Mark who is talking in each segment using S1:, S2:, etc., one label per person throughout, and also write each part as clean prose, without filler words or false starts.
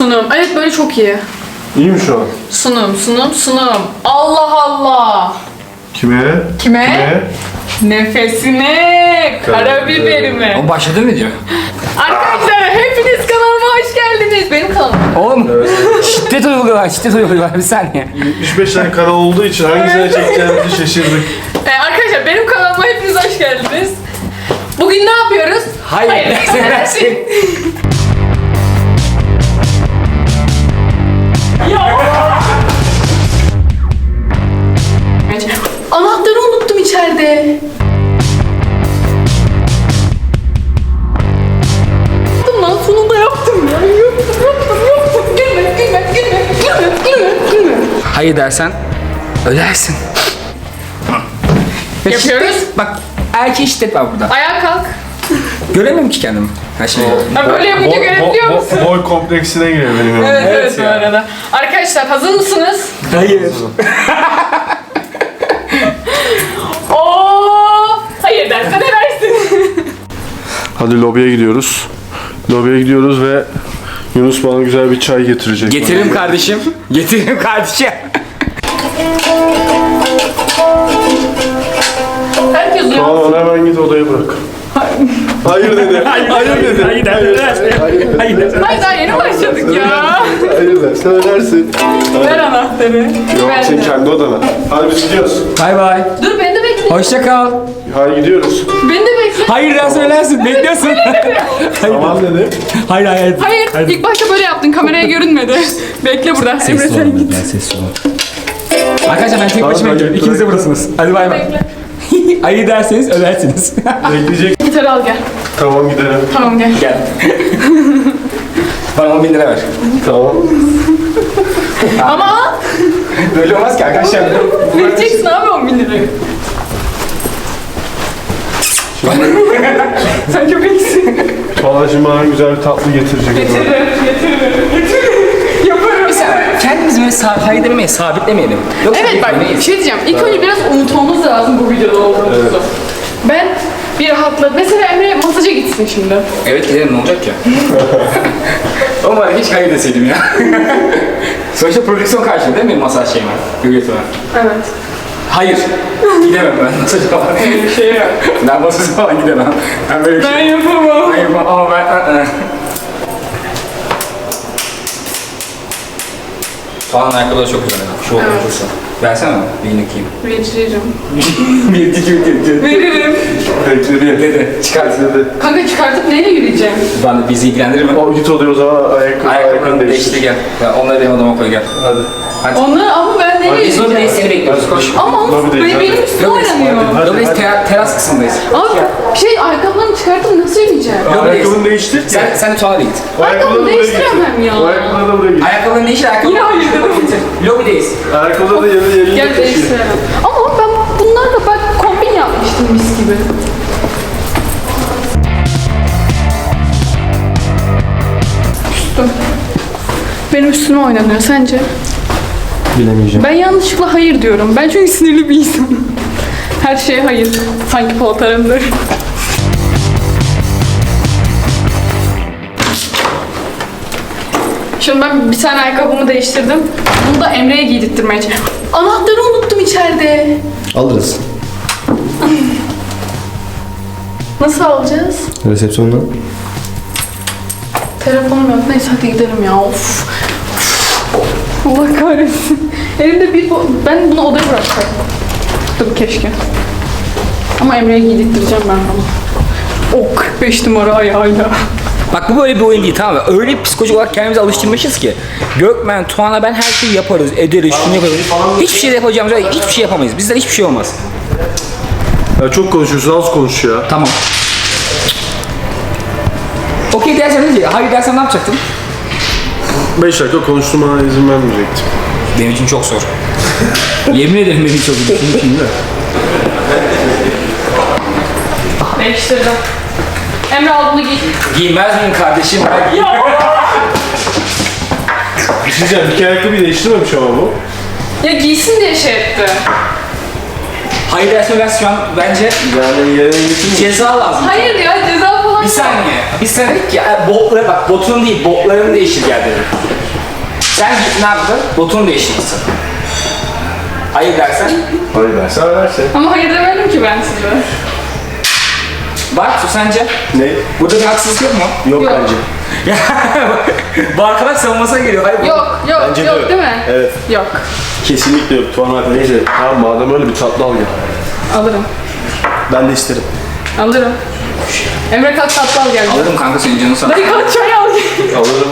S1: Sunum. Evet böyle çok iyi.
S2: İyi mi şu an?
S1: Sunum. Allah Allah.
S2: Kime?
S1: Kime? Nefesine, karabiberime.
S3: O başladı mı diyor?
S1: Arkadaşlar hepiniz kanalıma hoş geldiniz. Benim kanalıma.
S3: Oğlum şiddet uyguluyorlar bir saniye.
S2: 75 tane kanal olduğu için hangisine çekeceğimizi şaşırdık.
S1: Arkadaşlar benim kanalıma hepiniz hoş geldiniz. Bugün ne yapıyoruz?
S3: Hayır.
S1: Anahtarı unuttum içeride. Lan sonunda yaptım ya. Yaptım. Gülme.
S3: Hayır dersen ölersin. Ve
S1: Yapıyoruz.
S3: şiddet, bak erkeğe şiddet var burada.
S1: Ayağa kalk.
S3: Göremiyorum ki kendimi. Her şeyi.
S1: Ha, böyle yapınca görebiliyor musun?
S2: Boy kompleksine giriyor benim yanıma.
S1: Evet bu
S3: ya.
S1: arada. Arkadaşlar hazır mısınız?
S3: Hayır.
S1: Hayır dersen edersin.
S2: Hadi lobiye gidiyoruz. Lobiye gidiyoruz ve Yunus bana güzel bir çay getirecek.
S3: Getiririm kardeşim. Getiririm kardeşim.
S1: Herkes uyan.
S2: Tamam hemen git odaya bırak. Hayır dedi. Hayır dedi.
S3: Hayır dedi.
S1: Hayır daha yeni başladık ya.
S2: Hayır de söylersin.
S1: Ver anahtarı.
S2: Yok
S1: Ver
S2: sen
S1: de.
S2: kendi odana. Hadi biz gidiyoruz.
S3: Bay bay.
S1: Dur beni de bekle.
S3: Hoşça kal.
S2: Hadi gidiyoruz.
S1: Beni de bekle.
S3: Hayır dersen ölersin. Bekliyorsun.
S2: Tamam dedi.
S3: Hayır.
S1: Hayır ilk başta böyle yaptın kameraya görünmedi. Bekle burada. Emre sen git.
S3: Sessiz olun. Arkadaşlar ben tek başıma
S2: Tamam,
S3: gidiyorum. İkiniz de
S2: bırak.
S3: buradasınız. Hadi bay bay.
S1: Bekle.
S3: Hayır derseniz ölersiniz.
S2: Bekleyecek.
S1: Gitarı al gel.
S2: Tamam gidelim.
S1: Tamam gel.
S3: Gel. Bana 10.000 lira ver.
S2: Tamam.
S1: Ama
S3: Böyle olmaz ki arkadaşlar.
S1: vereceksin abi 10.000 lirayı. Sen çok iyisin.
S2: Valla şimdi bana güzel bir tatlı getirecek.
S1: Getiririm. Yaparım.
S3: Kendimizi böyle hayır demeye sabitlemeyelim. Yoksa
S1: Evet bak bir şey diyeceğim. İlk önce biraz unutmamız lazım bu videoda olduğumuzu.
S2: Evet.
S1: Ben bir rahatladım. Mesela Emre masaja gitsin şimdi.
S3: Evet gidelim ne olacak ya? Umarım hiç hayır deseydim ya. Sonuçta prodüksiyon karşılığı değil mi masaj şeyime? Görüyorsun
S1: Evet.
S3: Hayır. Gidemem ben masaj falan.
S1: Şey yap.
S3: Ben masaj falan gidemem. Ben böyle bir
S1: Ben
S3: şey.
S1: yapamam.
S3: Hayır ama ben... Falan ayakkabılar çok güzel. Şu oldu
S1: Evet.
S3: olursa. Versene mi? Birini giyeyim.
S1: Veririm.
S3: Bir, iki.
S1: Veririm.
S2: Bekledi.
S3: Dedi. Çıkart.
S2: Dedi.
S1: Kanka çıkartıp neyle yürüyeceğim?
S3: Ben de bizi ilgilendirir mi?
S2: O git odaya o zaman ayakkabını
S3: Ayakkabılarını
S2: değiştir.
S3: değiştir gel. Ya onları benim odama koy gel.
S2: Hadi.
S3: Hadi.
S1: Onları ama ben neyle
S3: Biz orada
S1: yürüyeceğim?
S3: seni bekliyoruz. Koş.
S1: Ama
S2: Lobideyiz,
S1: benim
S2: hadi.
S1: üstüme
S3: Lobideyiz,
S1: oynanıyor.
S3: Lobideyiz teras kısmındayız.
S1: Abi ayakkabılarımı çıkartıp nasıl yürüyeceğim?
S2: Ayakkabını değiştir.
S3: Sen de tuvalete git.
S1: Ayakkabımı değiştiremem ya.
S2: O ayakkabıları da buraya git.
S3: Ayakkabılarını değiştir ayakkabı.
S1: Yine hayır dedim.
S3: Lobideyiz.
S2: Ayakkabıları da yerine
S1: Gel
S2: taşıyor.
S1: değiştiremem. Ama ben bunlarla bak kombin yapmıştım mis gibi. Küstüm. Benim üstüme oynanıyor sence?
S2: Bilemeyeceğim.
S1: Ben yanlışlıkla hayır diyorum. Ben çünkü sinirli bir insanım. Her şeye hayır. Sanki Polat Alemdar. Şimdi ben bir tane ayakkabımı değiştirdim. Bunu da Emre'ye giydirttirmeye çalışıyorum. Anahtarı unuttum içeride.
S4: Alırız.
S1: Nasıl alacağız?
S4: Resepsiyondan.
S1: Telefonum yok. Neyse hadi gidelim ya. Of. Allah kahretsin. Elimde bir ben bunu odaya bırakacaktım. Tabii keşke. Ama Emre'ye giydirttireceğim ben bunu. O 45 numara ayağıyla.
S3: Bak bu böyle bir oyun değil tamam mı? Öyle bir psikolojik olarak kendimizi alıştırmışız ki. Gökmen, Tuana ben her şeyi yaparız, ederiz, şunu yaparız. Hiçbir şey de yapacağımız yok. Hiçbir şey yapamayız. Bizden hiçbir şey olmaz.
S2: Ya çok konuşuyorsun, az konuş ya.
S3: Tamam. Okey dersen ne diyecek? Hayır dersen ne yapacaktın?
S2: 5 dakika konuşturmana izin vermeyecektim.
S3: Benim için çok zor. Yemin ederim benim için çok zor. Senin için de.
S1: Değiştirdim. Emre al bunu giy.
S3: Giymez miyim kardeşim? Ben giymem.
S2: Bir şey diyeceğim, bir kere ayakkabıyı değiştirmemiş ama bu.
S1: Ya giysin diye şey etti.
S3: Hayır dersen şu an bence
S2: Yani yerine getirmiş.
S3: ceza lazım.
S1: Hayır ya ceza falan
S3: Bir saniye. Biz sana dedik ki botları bak botun değil botlarını değiştir gel dedim. Sen git ne yaptın? Botunu değiştirmişsin. Hayır dersen.
S2: Hayır dersen ödersin.
S1: Ama hayır demedim ki ben size.
S3: Bak su sence?
S2: Ne?
S3: Burada bir haksızlık yok mu?
S2: Yok
S1: Yok.
S2: bence.
S3: Bu arkadaş savunmasına geliyor. Hayır,
S1: Yok
S2: Bence de
S1: yok
S2: yok.
S1: değil mi?
S2: Evet.
S1: Yok.
S2: Kesinlikle yok. Tuğan abi neyse. Tamam madem öyle bir tatlı al gel.
S1: Alırım.
S2: Ben de isterim.
S1: Alırım. Emre kalk tatlı al gel.
S3: Alırım kanka senin canını sağ.
S1: Dayı kalk çay al gel.
S2: Alırım.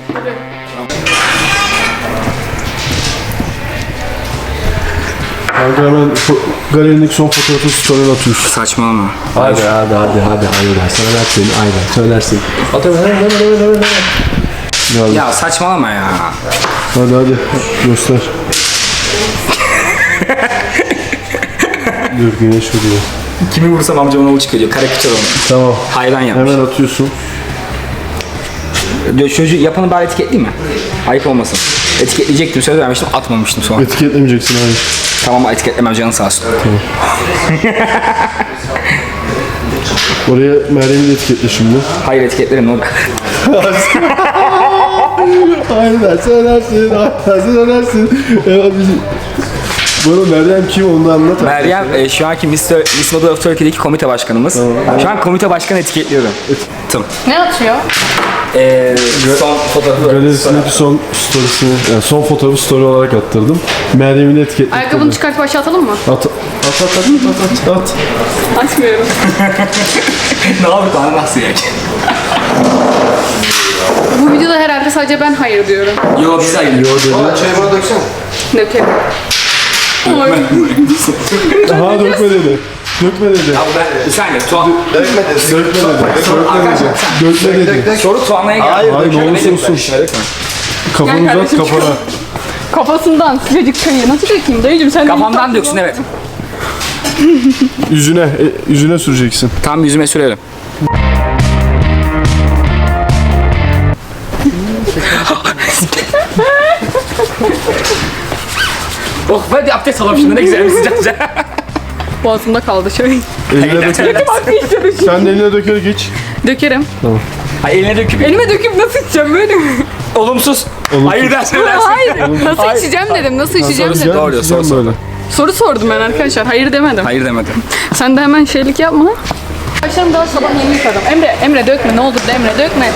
S2: Kanka hemen galerindeki son fotoğrafı story'e atıyorsun.
S3: Saçmalama.
S2: Hadi hayır söylersin aynen söylersin. Hadi
S3: Ya saçmalama ya.
S2: hadi göster. Dur güneş vuruyor.
S3: Kimi vursam amcamın oğlu çıkıyor. Karikatür onu.
S2: Tamam.
S3: Hayran yapmış.
S2: Hemen atıyorsun.
S3: Çocuğu yapanı bari etiketleyeyim mi? Ayıp olmasın. Etiketleyecektim söz vermiştim atmamıştım sonra.
S2: Etiketlemeyeceksin hayır.
S3: Tamam etiketlemem canın sağ olsun.
S2: Oraya Meryem'i de etiketle şimdi.
S3: Hayır etiketlerim ne olur.
S2: Aynen söylersin. Bana Meryem kim onu da anlat.
S3: Meryem şu anki Miss Model of Turkey'deki komite başkanımız. Şu an komite başkanı etiketliyorum. Tım.
S1: Ne atıyor?
S3: Son fotoğrafı.
S2: Galerisindeki son storiesini, yani son fotoğrafı story olarak attırdım. Meryem'i de etiketledim.
S1: Ayakkabını çıkartıp aşağı atalım mı?
S2: At.
S1: Açmıyorum.
S3: Ne yapıp anlatsın ya.
S1: Bu videoda herhalde sadece ben hayır diyorum.
S3: Yo biz hayır.
S2: Çayı bana döksene.
S1: Dökerim.
S2: Aha dökme dedi. Dökme dedi.
S3: Abi ben bir saniye Tuğan.
S2: Dökme dedi.
S3: Soru Tuğan'a geldi.
S2: Hayır, ne olursa olsun. Kafanı
S1: Gel
S2: uzat
S1: kardeşim,
S2: kafana.
S1: Kafasından sıcacık çayı nasıl dökeyim dayıcım sen
S3: Kafamdan döksün evet.
S2: Yüzüne süreceksin.
S3: Tam yüzüme sürerim. Oh hadi abdest alalım şimdi ne güzel bir sıcak sıcak.
S1: Boğazımda kaldı şöyle.
S2: Eline döker. Sen de eline döker geç.
S1: Dökerim.
S3: Ay eline döküp.
S1: Elime döküp nasıl içeceğim böyle mi?
S3: Olumsuz. Hayır dersin dersin.
S1: Hayır. Nasıl içeceğim dedim. Nasıl içeceğim
S2: Gel,
S1: dedim.
S3: Doğru diyor,
S2: içeceğim
S3: soru
S2: böyle.
S1: Soru sordum ben arkadaşlar. Hayır demedim.
S3: Hayır demedim.
S1: Sen de hemen şeylik yapma. Başlarım daha sabah yeni yıkadım. Emre dökme ne olur da Emre dökme.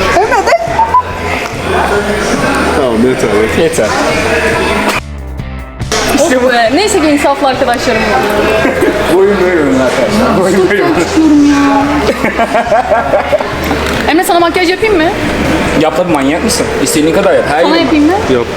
S2: Tamam yeter.
S3: Yeter.
S1: İşte bu. Neyse ki insaflı arkadaşlarım var.
S3: Oyun böyle oyun arkadaşlar. Oyun böyle oyun.
S1: Emre sana makyaj yapayım mı?
S3: Yap tabii manyak mısın? İstediğin kadar yap. Her
S1: Sana
S3: yıl.
S1: yapayım mı?
S2: Yap.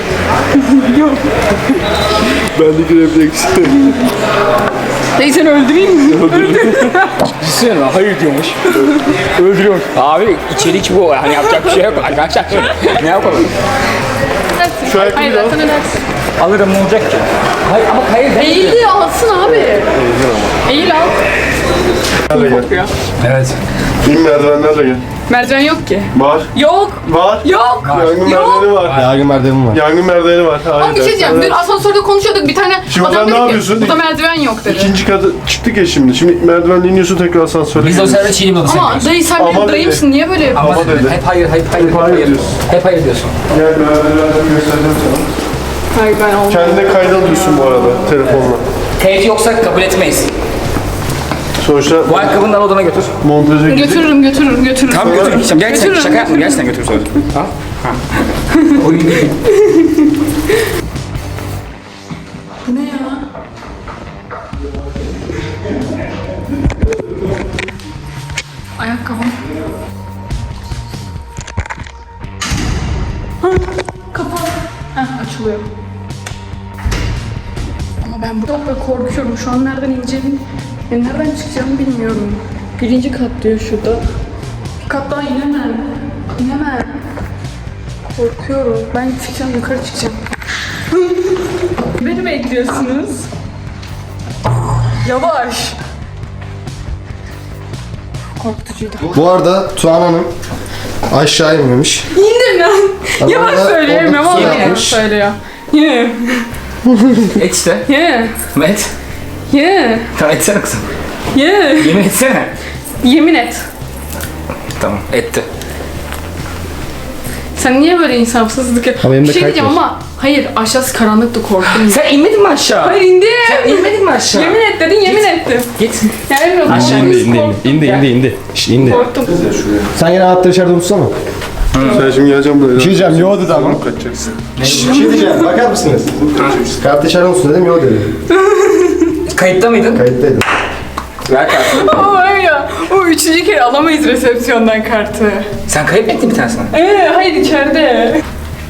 S2: Bendeki refleks.
S1: Dayı seni öldüreyim mi?
S3: Düşünsene hayır diyormuş. Öldürüyormuş. Abi içerik bu. Hani yapacak bir şey yok arkadaşlar. Ne yapalım?
S2: Şu ayakkabıyı
S1: Hayır
S2: al.
S1: zaten ödersin.
S3: Alırım ne olacak ki? Hayır ama hayır demedim.
S1: Eğildi alsın abi. Eğil al. Kokuyor.
S3: Evet.
S2: Bin merdivenlerle gel.
S1: Merdiven yok ki.
S2: Var.
S1: Yok.
S2: Var.
S1: Yok.
S2: Yangın
S1: Yok.
S2: merdiveni var.
S4: Yangın merdiveni var.
S2: Yangın merdiveni var. Hayır.
S1: Ama bir şey diyeceğim. Dün asansörde konuşuyorduk. Bir tane
S2: Şimdi
S1: adam
S2: sen ne
S1: dedi ki
S2: yapıyorsun?
S1: burada merdiven yok dedi.
S2: İkinci katı çıktık ya şimdi. Şimdi merdivenle iniyorsun tekrar asansöre
S3: Biz de o
S2: geliyorsun.
S3: sırada çiğneyim odası
S1: Ama
S3: yapıyoruz.
S1: dayı sen
S2: Ama
S1: benim
S2: dedi.
S1: dayımsın. Niye böyle yapıyorsun?
S2: Ama dedi.
S3: Hep hayır hayır hayır
S2: Hep hayır diyorsun.
S3: Hep hayır diyorsun.
S2: Gel merdivenleri göstereceğim sana.
S1: Hayır ben olmam.
S2: Kendine kayda alıyorsun bu arada telefonla.
S3: Teyit yoksa kabul etmeyiz.
S2: Sonuçta
S3: Bu ayakkabını da odana götür.
S2: montaja gidip
S1: Götürürüm.
S3: Tamam götür. Gerçekten
S1: Götürürüm,
S3: şaka yapma. Gerçekten götür söyle. Ha? Ha. Oyun değil.
S1: Bu ne ya? Ayakkabım. Kapalı. Açılıyor. Ama ben burada böyle korkuyorum. Şu an nereden ineceğimi, nereden çıkacağımı bilmiyorum. Birinci kat diyor şurada. Bir kat daha inemem. Korkuyorum. Ben çıkacağım, yukarı çıkacağım. Beni bekliyorsunuz. Yavaş. Korkutucuydu.
S4: Bu arada Tuğan Hanım aşağı inmemiş.
S1: İndim lan.
S4: Ama
S1: Yalan
S4: orada-
S1: söyleyemiyorum
S4: orada
S1: ama
S4: şey
S1: yalan
S4: yapmış.
S1: söylüyor. Yeah.
S3: Et işte.
S1: Yeah.
S3: Met.
S1: Yeah.
S3: Tamam etsene kızım.
S1: Yeah.
S3: Yemin etsene.
S1: Yemin et.
S3: Tamam. Etti.
S1: Sen niye böyle insafsızlık
S4: Ama
S1: yapıyorsun?
S4: elimde
S1: Bir şey
S4: kayıt
S1: diyeceğim
S4: var.
S1: ama hayır aşağısı karanlıktı korktum.
S3: Sen inmedin mi aşağı?
S1: Hayır indim.
S3: Sen inmedin mi aşağı?
S1: Yemin et dedin yemin ettim.
S3: Git.
S1: Ya Emre
S3: Aşağı
S4: İndi. Şş, indi.
S1: Korktum.
S4: Sen yine anahtarı içeride unutsana.
S2: Sen şimdi geleceğim buraya.
S4: Bir şey diyeceğim, yo dedi ama.
S2: Kaçacaksın.
S4: Bir şey diyeceğim, bakar mısınız? Kartı içeride unutsun dedim, yo dedi.
S3: Kayıtta mıydın?
S4: Kayıttaydım.
S3: Ver kartını.
S1: Ama var ya o üçüncü kere alamayız resepsiyondan kartı.
S3: Sen kayıp mı ettin bir tanesini?
S1: Hayır içeride.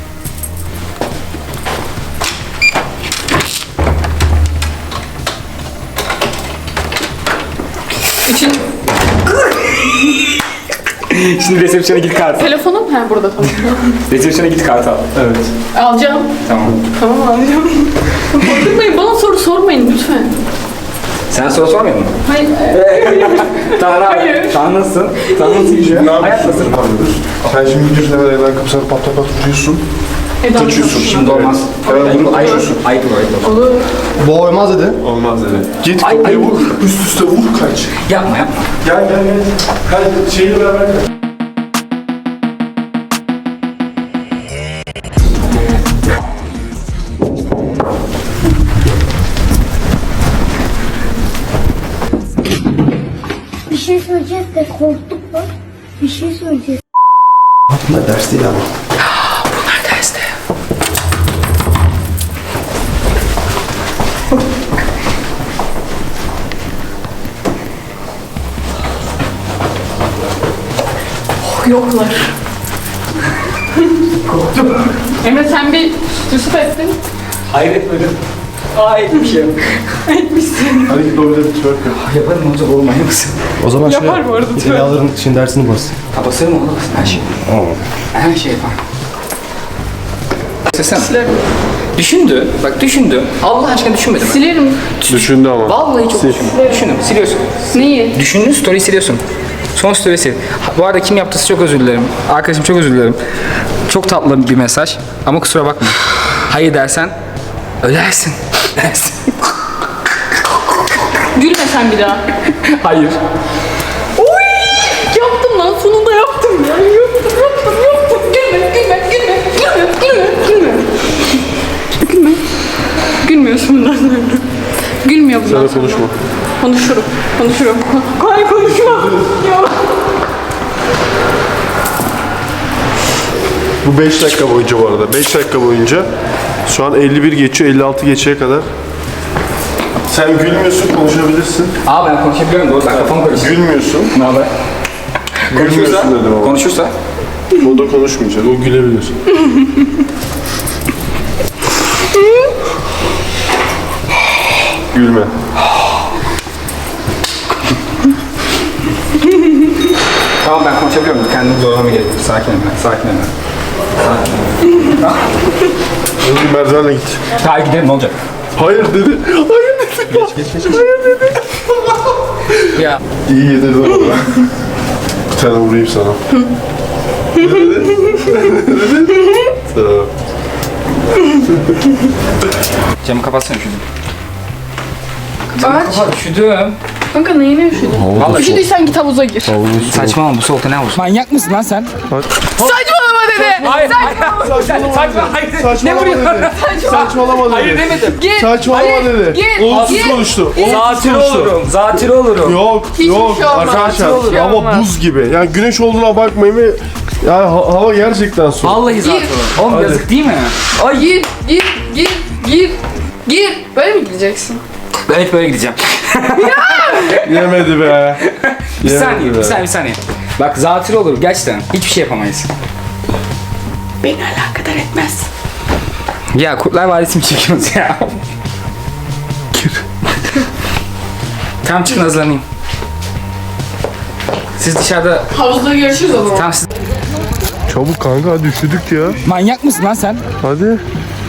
S1: Üçüncü...
S3: Şimdi resepsiyona git kartı.
S1: Telefonum? Ha burada tamam.
S3: Resepsiyona git kartı al. Evet.
S1: Alacağım.
S3: Tamam.
S1: Tamam alacağım. Korkutmayın bana soru sormayın lütfen.
S3: Sen soru sormuyor musun?
S1: Hayır.
S3: Tanrı
S1: Hayır.
S3: Sen nasılsın? Sen nasıl gidiyor? Hayat nasıl?
S2: Sen şimdi gidiyorsun hemen evden kapısına pat pat pat vuruyorsun.
S1: Eda
S2: Kaçıyorsun.
S3: Şimdi olmaz.
S2: Evet, bunu
S3: Ayıp
S2: kaçıyorsun.
S3: ayıp ayıp.
S1: olur.
S4: Bu olmaz dedi.
S2: Olmaz dedi. Git
S3: Ay,
S2: kapıya
S3: ay.
S2: vur. Üst üste vur kaç.
S3: Yapma yapma.
S2: Gel. Hadi şeyle beraber kaç.
S5: Bir şey söyleyeceğiz de korktuk bak. Bir şey söyleyeceğiz.
S4: Bunlar ders değil ama.
S3: Bunlar derste.
S1: Yoklar. Korktum. Emre sen bir Yusuf ettin.
S3: Hayır etmedim. Hayır bir şey yok.
S1: Etmişsin.
S2: Hadi git orada bir twerk yap.
S3: Yaparım olacak oğlum aynı mısın?
S4: O zaman
S1: Yapar bu arada, tüh.
S4: Silahların için dersini bas.
S3: Basarım oğlum her şey. Her şey yapar. Sesem. Düşündü. Bak düşündü. Allah aşkına düşünmedi mi?
S1: Silerim.
S2: Düşündü ama.
S3: Vallahi çok düşündüm. Düşündüm. Siliyorsun.
S1: Neyi?
S3: Düşündün story'i siliyorsun. Son story'i sil. Bu arada kim yaptıysa çok özür dilerim. Arkadaşım çok özür dilerim. Çok tatlı bir mesaj. Ama kusura bakma. Hayır dersen ölersin. Dersin.
S1: Gülme sen bir daha.
S3: Hayır.
S1: Oy! Yaptım lan sonunda yaptım ya. Yaptım. Gülme. Gülmüyorsun bundan sonra. Gülmüyor bundan
S2: Sana
S1: sonra.
S2: konuşma.
S1: Konuşurum. Hayır konuşma. Ya.
S2: Bu 5 dakika boyunca bu arada. 5 dakika boyunca. Şu an 51 geçiyor, 56 geçeye kadar. Sen gülmüyorsun, konuşabilirsin.
S3: Aa ben konuşabiliyorum doğru. Bak kafam karıştı.
S2: Gülmüyorsun.
S3: Ne haber?
S2: Gülmüyorsun dedim ama.
S3: Konuşursa?
S2: O da konuşmayacak, o gülebilir. Gülme.
S3: Tamam ben konuşabiliyorum. Kendimi zorlama gerek yok. Sakin hemen. Sakin hemen.
S2: Hadi merdivenle git.
S3: Hayır gidelim ne olacak?
S2: Hayır dedi. Hayır dedi. Hayır dedi.
S3: Ya.
S2: İyi yedirdin ona. Bir tane vurayım sana. Ne dedi? Ne dedi? Tamam.
S3: Camı kapatsana üşüdüm.
S1: Aç.
S3: Kapat üşüdüm.
S1: Kanka neyine üşüdün?
S3: Vallahi
S1: Üşüdüysen git havuza gir.
S3: saçmalama bu soğukta ne havuz? Manyak mısın lan sen?
S1: Saçmalama dedi.
S3: Hayır. Saçmalama. Hayır.
S2: Saçmalama dedi. Saçmalama dedi.
S3: Hayır demedim.
S1: Gir.
S2: Saçmalama
S1: Hayır,
S2: dedi.
S1: Gir.
S2: Olumsuz
S1: Gir.
S2: konuştu.
S3: Zatürre olurum. Zatürre olurum.
S2: Yok,
S1: Hiçbir
S2: yok
S1: şey olmaz.
S2: arkadaşlar.
S1: Hiçbir şey
S2: Ama
S1: olmaz.
S2: buz gibi. Yani güneş olduğuna bakmayın ve yani hava gerçekten soğuk.
S3: Vallahi zatürre olurum. Oğlum
S2: Hadi.
S3: yazık değil mi?
S1: Ay gir. Böyle mi gideceksin?
S3: Ben hep böyle gideceğim.
S2: Yemedi be.
S3: Bir saniye. Bak zatürre olurum gerçekten. Hiçbir şey yapamayız. Beni alakadar etmez. Ya Kurtlar Vadisi mi çekiyoruz ya? Tamam çıkın hazırlanayım. Siz dışarıda...
S1: Havuzda görüşürüz o zaman.
S3: Tamam siz...
S2: Çabuk kanka hadi üşüdük ya.
S3: Manyak mısın lan sen?
S2: Hadi.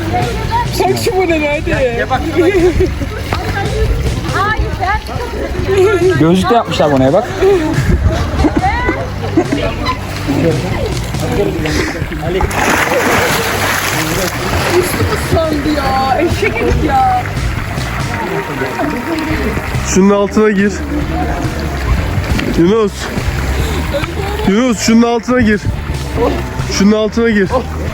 S3: Gözlük de yapmışlar bana ya bak.
S2: Şunun altına gir. Yunus. Yunus şunun altına gir. Şunun altına gir.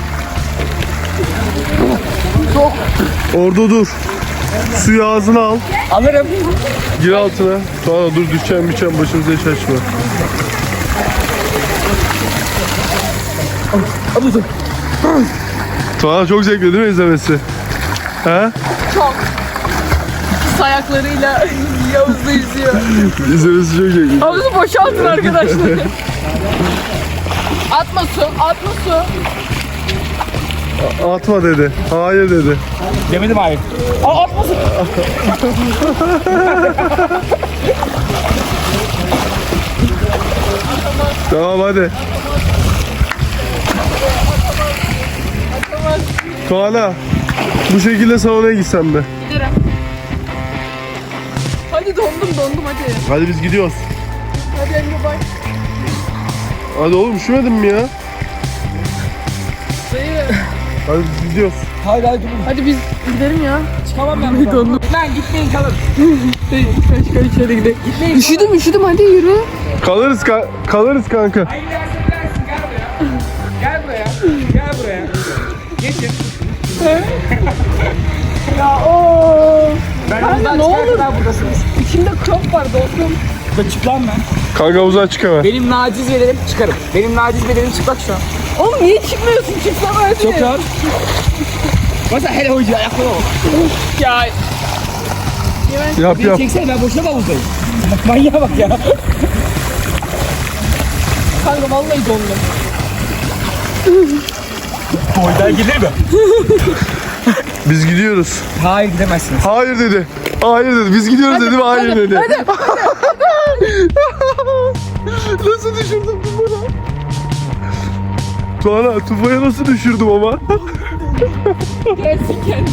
S2: Orada dur. Suyu ağzına al.
S3: Alırım.
S2: Gir altına. Sonra dur düşeceğim başımıza hiç açma. Tuana çok zevkli değil mi izlemesi? He?
S1: Çok. Pis ayaklarıyla Yavuz'la yüzüyor.
S2: İzlemesi çok zevkli.
S1: Havuzu boşaltın arkadaşlar. Atma su, atma su.
S2: Atma dedi. Hayır dedi.
S3: Demedim hayır. Aa atmasın.
S2: Tamam hadi. Tuana bu şekilde salona gitsen de.
S1: Giderim. Hadi dondum hadi.
S2: Hadi biz gidiyoruz.
S1: Hadi Emre bak.
S2: Hadi oğlum üşümedin mi ya?
S1: Dayı.
S2: Hadi biz gidiyoruz.
S3: Hayır durun.
S1: Hadi biz gidelim ya.
S3: Çıkamam ben buradan.
S1: Dondum.
S3: Ben gitmeyin kalın.
S1: Kaç içeri gidelim. Üşüdüm hadi yürü.
S2: Kalırız kanka.
S3: Hayır dersin gel buraya. Gel buraya. Geçin.
S1: Ya ooo.
S3: Ben
S1: Kanka,
S3: buradan
S1: ne
S3: çıkana
S1: olur.
S3: kadar buradasınız.
S1: İçimde krop var dostum.
S3: Burada çık lan ben.
S2: Kanka havuza çık hemen.
S3: Benim naciz bedenim çıkarım. Benim naciz bedenim çıplak şu an.
S1: Oğlum niye çıkmıyorsun? Çıksana hadi.
S3: Çok rahat. Mesela hele hoca ayakları ol.
S1: Ya.
S2: Yap
S3: Beni
S2: yap.
S3: çeksene ben boşuna bavuzdayım. Bak manyağa bak ya.
S1: Kanka vallahi dondum.
S3: Boydan gelir mi?
S2: Biz gidiyoruz.
S3: Hayır gidemezsiniz.
S2: Hayır dedi. Hayır dedi. Biz gidiyoruz dedim. Hayır dedi. Nasıl düşürdüm Tufa'ya? Tuana Tufa'ya nasıl düşürdüm ama?
S1: Gelsin kendi.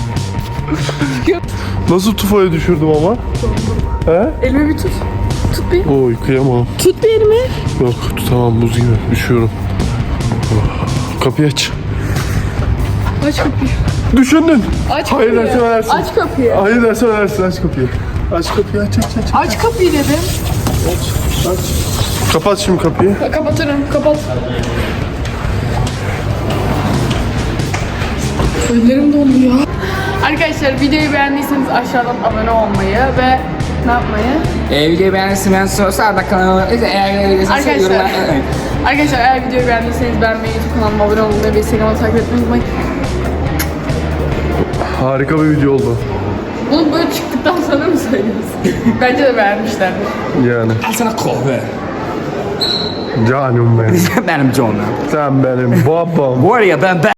S2: Nasıl Tufa'ya düşürdüm ama? He?
S1: Elimi bir tut. Tut bir.
S2: Oy kıyamam.
S1: Tut bir elimi.
S2: Yok tutamam buz gibi. Düşüyorum. Oh. Kapıyı aç.
S1: Aç kapıyı.
S2: Düşündün.
S1: Aç
S2: Hayır
S1: kapıyı.
S2: dersen ölersin.
S1: Aç kapıyı.
S2: Hayır dersen ölersin. Aç kapıyı. Aç kapıyı aç.
S1: Aç kapıyı dedim.
S2: Kapat şimdi kapıyı.
S1: Kapatırım. Kapat. Ellerim dondu ya. Arkadaşlar videoyu beğendiyseniz aşağıdan abone olmayı ve ne yapmayı?
S3: Videoyu beğendiyseniz sorularsa kanalıma eğer
S1: Arkadaşlar, arkadaşlar eğer videoyu beğendiyseniz beğenmeyi, YouTube kanalıma abone olmayı ve Instagram'ı takip etmeyi unutmayın.
S2: Harika bir video oldu.
S1: Bunu böyle çıktıktan sonra mı söylüyorsun? Bence de beğenmişlerdir.
S2: Yani.
S3: Al sana kahve.
S2: Canım benim.
S3: Benim canım.
S2: Sen benim babam.
S3: Bu araya ben